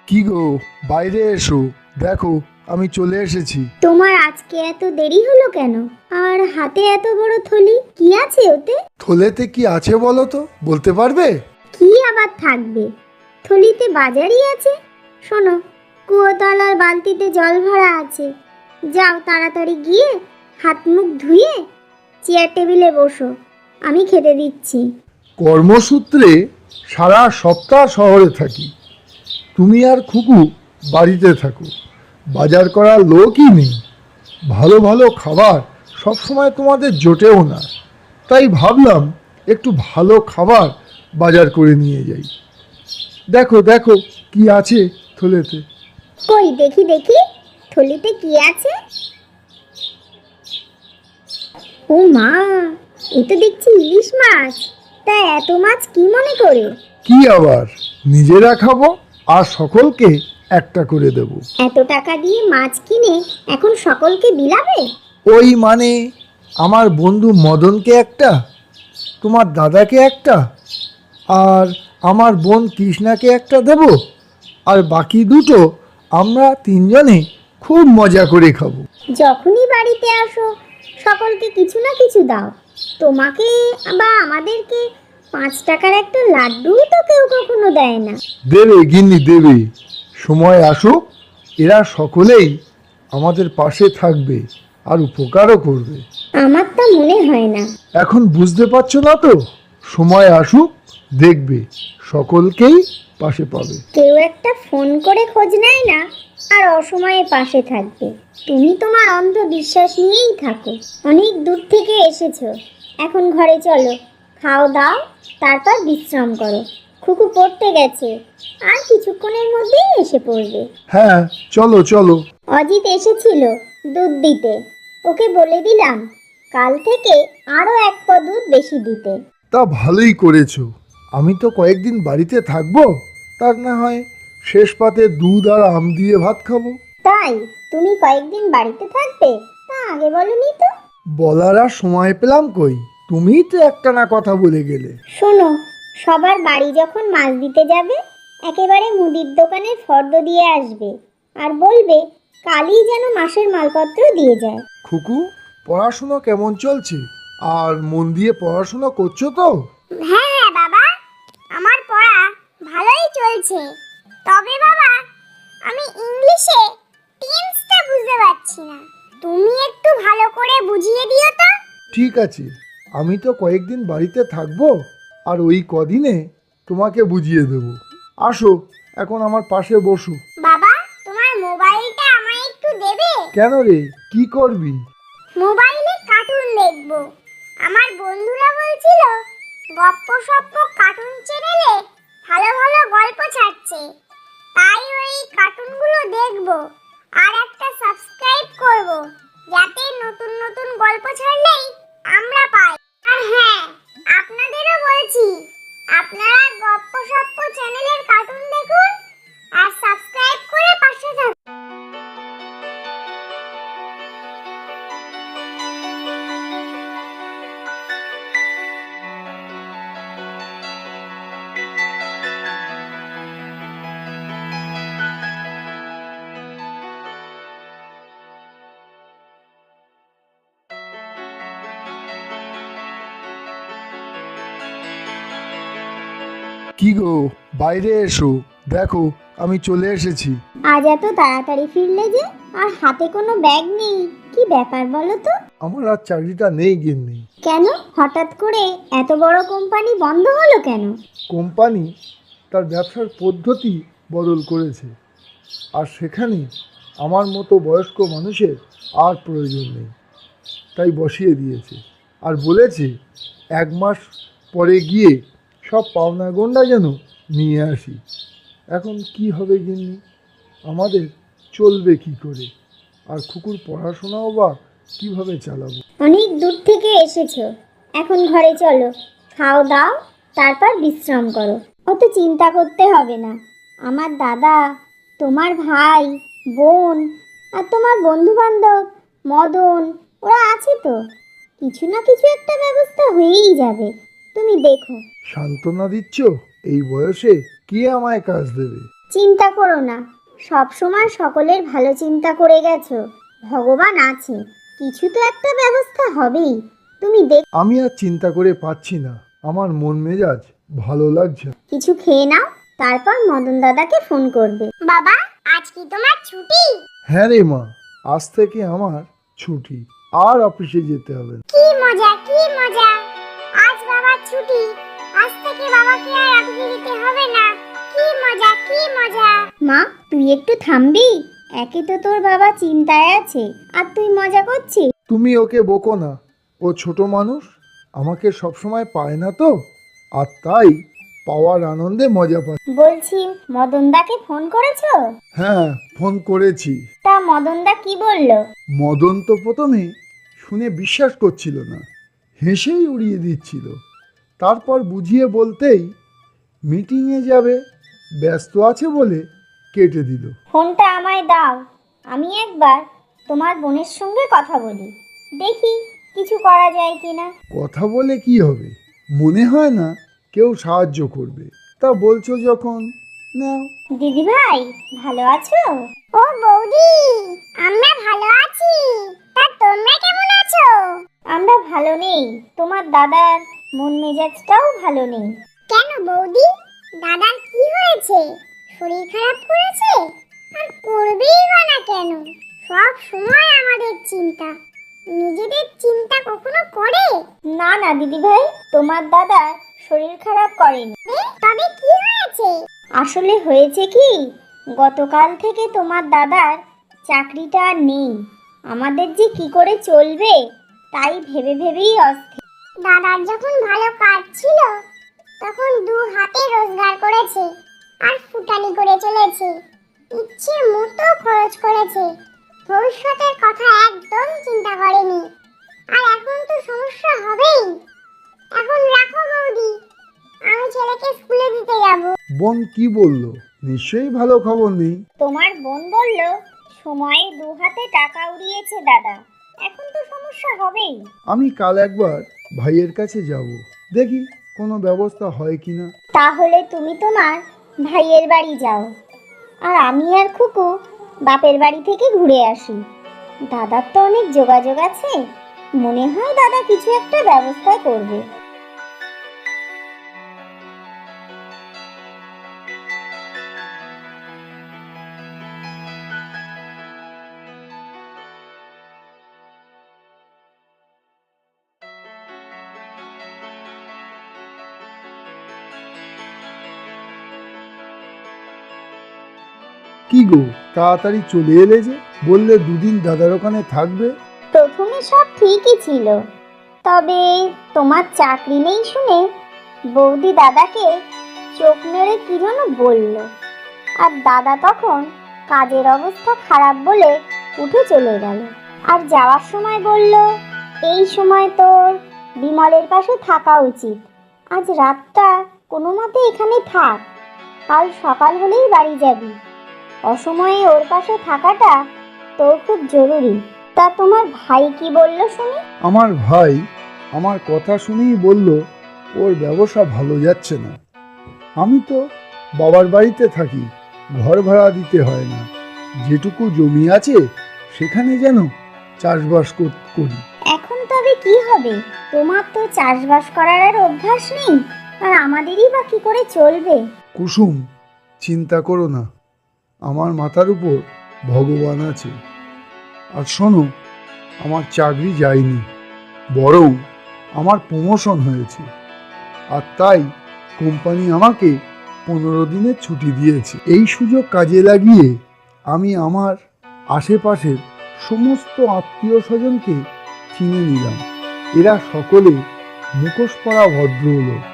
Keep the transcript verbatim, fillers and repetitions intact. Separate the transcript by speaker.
Speaker 1: কি গো, বাইরে এসো, দেখো আমি চলে এসেছি।
Speaker 2: তোমার আজকে এত দেরি হলো কেন? আর হাতে এত বড় থলি, কি আছে ওতে?
Speaker 1: থলেতে কি আছে বলো তো, বলতে পারবে?
Speaker 2: কি আবার থাকবে, থলিতে বাজারই আছে। শোনো, কুয়োতলার বালতিতে জল ভরা আছে, যাও তাড়াতাড়ি গিয়ে হাত মুখ ধুয়ে চেয়ার টেবিলে বসো, আমি খেতে দিচ্ছি।
Speaker 1: কর্মসূত্রে সারা সপ্তাহ শহরে থাকি, তুমি আর খুকু বাড়িতে থাকো, বাজার করার লোকই নেই। ভালো ভালো খাবার সবসময় তোমাদের জোটেও না, তাই ভাবলাম একটু ভালো খাবার বাজার করে নিয়ে যাই। দেখো দেখো কি আছে থলেতে।
Speaker 2: কই দেখি দেখি, থলিতে কি আছে? ও মা, এ তো দেখছি ইলিশ মাছ। তা এত মাছ কি মনে করে?
Speaker 1: কি আবার, নিজেরা খাবো আর সকলকে একটা করে দেব।
Speaker 2: এত টাকা দিয়ে মাছ কিনে এখন সকলকে বিলাবে?
Speaker 1: ওই মানে আমার বন্ধু মদনকে একটা, তোমার দাদাকে একটা, আর আমার বোন কৃষ্ণাকে একটা দেব, আর বাকি দুটো আমরা তিনজনে খুব মজা করে খাবো।
Speaker 2: যখনই বাড়িতে আসো সকলকে কিছু না কিছু দাও। তোমাকে বা আমাদেরকে পাঁচ টাকার একটা লাড্ডু তো কেউ কখনো দেয় না।
Speaker 1: দেবে গিন্নি দেবে, সময় আসুক, এরা সকলেই আমাদের পাশে থাকবে আর উপকারও করবে।
Speaker 2: আমার তা মনে হয় না।
Speaker 1: এখন বুঝতে পারছো না তো, সময় আসুক, দেখবে সকলকেই পাশে পাবে।
Speaker 2: কেউ একটা ফোন করে খোঁজ নেয় না আর অসময়ে পাশে থাকবে। তুমি তোমার অন্ধ বিশ্বাস নিয়েই থাকো। অনেক দূর থেকে এসেছো, এখন ঘরে চলো, খাও দাও, তারপর বিশ্রাম করো। খুকু পড়তে গেছে, আর কিছুক্ষণের মধ্যেই এসে পড়বে।
Speaker 1: হ্যাঁ চলো চলো।
Speaker 2: অজিত এসেছিল দুধ দিতে, ওকে বলে দিলাম কাল থেকে আরো এক পদ দুধ বেশি দিতে।
Speaker 1: তা ভালোই করেছো, আমি তো কয়েকদিন বাড়িতে থাকবো, তার না হয় শেষ পাতে দুধ আর আম দিয়ে ভাত খাবো।
Speaker 2: তাই তুমি কয়েকদিন বাড়িতে থাকবে? তা আগে বলনি তো।
Speaker 1: বলার আর সময় পেলাম কই, তুমিই তো একটানা কথা বলে গেলে।
Speaker 2: শোনো, সবার বাড়ি যখন মাছ দিতে যাবে একেবারে মুদির দোকানের ফর্দ দিয়ে আসবে আর বলবে কালই যেন মাসের মালপত্র দিয়ে যায়।
Speaker 1: খুকু, পড়াশুনো কেমন চলছে? আর মন দিয়ে পড়াশুনো করছো তো?
Speaker 2: হ্যাঁ হ্যাঁ বাবা, আমার পড়া ভালোই চলছে। তবে বাবা, আমি ইংলিশে টেন্সটা বুঝতে পারছি না, তুমি একটু ভালো করে বুঝিয়ে দিও তো।
Speaker 1: ঠিক আছে, আমি তো কয়েকদিন বাড়িতে থাকবো, আর ওই কদিনে তোমাকে বুঝিয়ে দেব। আসো এখন আমার পাশে বসো।
Speaker 2: বাবা, তোমার মোবাইলটা আমায় একটু দেবে?
Speaker 1: কেন রে, কি করবি?
Speaker 2: মোবাইলে কার্টুন দেখবো। আমার বন্ধুরা বলছিল গপ্প সপ্প কার্টুন চ্যানেলে ভালো ভালো গল্প ছাড়ছে, তাই ওই কার্টুনগুলো দেখবো আর একটা সাবস্ক্রাইব করব, যাতে নতুন নতুন গল্প ছাড়লেই আমরা পাই। আর হ্যাঁ, আপনাদেরও বলছি, আপনারা গপ্প সপ্প চ্যানেলের কার্টুন দেখুন আর সাবস্ক্রাইব করে পাশে থাকুন।
Speaker 1: কি গো, বাইরে এসো, দেখো আমি চলে এসেছি।
Speaker 2: আজ এত তাড়াতাড়ি ফিরলে যে, আর হাতে কোনো ব্যাগ নেই, কি ব্যাপার বলো তো?
Speaker 1: আমার আর চাকরিটা নেই গিন্নি।
Speaker 2: কেন হঠাৎ করে এত বড় কোম্পানি বন্ধ হলো কেন?
Speaker 1: কোম্পানি তার ব্যবসার পদ্ধতি বদল করেছে, আর সেখানে আমার মতো বয়স্ক মানুষের আর প্রয়োজন নেই, তাই বসিয়ে দিয়েছে। আর বলেছে এক মাস পরে গিয়ে সব পাওনা গন্ডা যেন নিয়ে আসি। এখন কি হবে গিন্নি, আমাদের চলবে কি করে, আর খুকুর পড়াশোনাও বা কিভাবে চালাবো?
Speaker 2: অনেক দূর থেকে এসেছো, এখন ঘরে চলো, খাও দাও, তারপর বিশ্রাম করো। অত চিন্তা করতে হবে না। আমার দাদা, তোমার ভাই, বোন আর তোমার বন্ধু বান্ধব মদন, ওরা আছে তো, কিছু না কিছু একটা ব্যবস্থা হয়েই যাবে, তুমি দেখো।
Speaker 1: সান্ত্বনা দিচ্ছ? এই বয়সে কে আমায় কাজ দেবে?
Speaker 2: চিন্তা করো না, সব সময় সকলের ভালো চিন্তা করে গেছো। ভগবান আছে, কিছু তো একটা ব্যবস্থা হবেই। তুমি দেখ,
Speaker 1: আমি আর চিন্তা করে পাচ্ছি না, আমার মন মেজাজ ভালো লাগছে না।
Speaker 2: কিছু খেয়ে নাও, তারপর মদন দাদাকে ফোন করবে। বাবা, আজ কি তোমার ছুটি?
Speaker 1: হ্যাঁ রে মা, আজ থেকে আমার ছুটি, আর অফিসে যেতে হবে না।
Speaker 2: কি মজা, কি মজা! আজ বাবার ছুটি, আজ থেকে বাবাকে আর অফিসে যেতে হবে না। কি মজা, কি মজা! মা, তুই একটু থামবি? একে তো তোর বাবা চিন্তায় আছে, আর তুই মজা করছিস।
Speaker 1: তুমি ওকে বকো না, ও ছোট মানুষ, আমাকে সবসময় পায় না তো, আর তাই পাওয়ার আনন্দে মজা পায়।
Speaker 2: বলছি, মদনদাকে ফোন করেছো?
Speaker 1: হ্যাঁ, ফোন করেছি।
Speaker 2: তা মদনদা কি বললো?
Speaker 1: মদন তো প্রথমে শুনে বিশ্বাস করছিল না, হেসেই উড়িয়ে দিচ্ছিল। তারপর বুঝিয়ে বলতেই মিটিংয়ে যাবে, ব্যস্ত আছে বলে কেটে দিল।
Speaker 2: ফোনটা আমায় দাও, আমি একবার তোমার বোনের সঙ্গে কথা বলি, দেখি কিছু করা যায় কিনা।
Speaker 1: কথা বলে কি হবে, মনে হয় না কেউ সাহায্য করবে। তা বলছো যখন, নাও।
Speaker 2: দিদি ভাই, ভালো আছো? ও বৌদি, আমরা ভালো আছি। তা তোমরা কেমন আছো? আমরা ভালো নেই, তোমার দাদার মন মেজাজটাও ভালো নেই। কেন বৌদি, দাদার কি হয়েছে? শরীর খারাপ করেছে? আর করবেই বা না কেন? সব সময় আমাদের চিন্তা, নিজেদের চিন্তা কখনো করে? না না দিদি ভাই, তোমার দাদার শরীর খারাপ করেনি। তবে কি হয়েছে? আসলে হয়েছে কি, গতকাল থেকে তোমার দাদার চাকরিটা আর নেই। আমাদের যে কি করে চলবে তাই ভেবে ভেবেই অস্থির। দাদার যখন ভালো কাজ ছিল, তখন দু হাতে রোজগার করেছে আর ফুটানি করে চলেছে, ইচ্ছে মতো খরচ করেছে, ভবিষ্যতের কথা একদম চিন্তা করেনি। আর এখন তো সমস্যা হবেই। এখন রাখো বৌদি, আমি ছেলেকে স্কুলে দিতে যাবো।
Speaker 1: বোন কি বললো? নিশ্চয়ই ভালো খবর নেই।
Speaker 2: তোমার বোন বলল সময়ে দু হাতে টাকা উড়িয়েছে দাদা, এখন তো সমস্যা হবেই।
Speaker 1: আমি কাল একবার ভাইয়ের কাছে যাব, দেখি কোনো ব্যবস্থা হয় কিনা।
Speaker 2: তাহলে তুমি তোমার ভাইয়ের বাড়ি যাও, আর আমি আর খুকু বাপের বাড়ি থেকে ঘুরে আসি। দাদার তো অনেক যোগাযোগ আছে, মনে হয় দাদা কিছু একটা ব্যবস্থা করবে।
Speaker 1: কি গো, তাড়াতাড়ি চলে এলে যে? বললে দুদিন দাদার ওখানে থাকবে।
Speaker 2: প্রথমে সব ঠিকই ছিল, তবে তোমার চাকরি নেই শুনে বৌদি দাদাকে চোখ মেরে কি যেন বলল, আর দাদা তখন কাজের অবস্থা খারাপ বলে উঠে চলে গেল। আর যাওয়ার সময় বলল, এই সময় তোর বিমলের পাশে থাকা উচিত, আজ রাতটা কোনো মতে এখানে থাক, কাল সকাল হলেই বাড়ি যাবি। অসময়ে ওর পাশে থাকাটা তোর খুব জরুরি। তা তোমার ভাই কি বলল শুনি?
Speaker 1: আমার ভাই আমার কথা শুনেই বলল ওর ব্যবসা ভালো যাচ্ছে না। আমি তো বাবার বাড়িতে থাকি, ঘর ভাড়া দিতে হয় না, যেটুকু জমি আছে সেখানে যেন চাষবাস কর- করি।
Speaker 2: এখন তবে কি হবে? তোমার তো চাষবাস করার আর অভ্যাস নেই, আর আমাদেরই বা কি করে চলবে?
Speaker 1: কুসুম, চিন্তা করো না, আমার মাথার উপর ভগবান আছে। আর শোনো, আমার চাকরি যায়নি, বরং আমার প্রমোশন হয়েছে, আর তাই কোম্পানি আমাকে পনেরো দিনের ছুটি দিয়েছে। এই সুযোগ কাজে লাগিয়ে আমি আমার আশেপাশের সমস্ত আত্মীয় স্বজনকে চিনে নিলাম। এরা সকলে মুখোশ পরা ভদ্রলোক।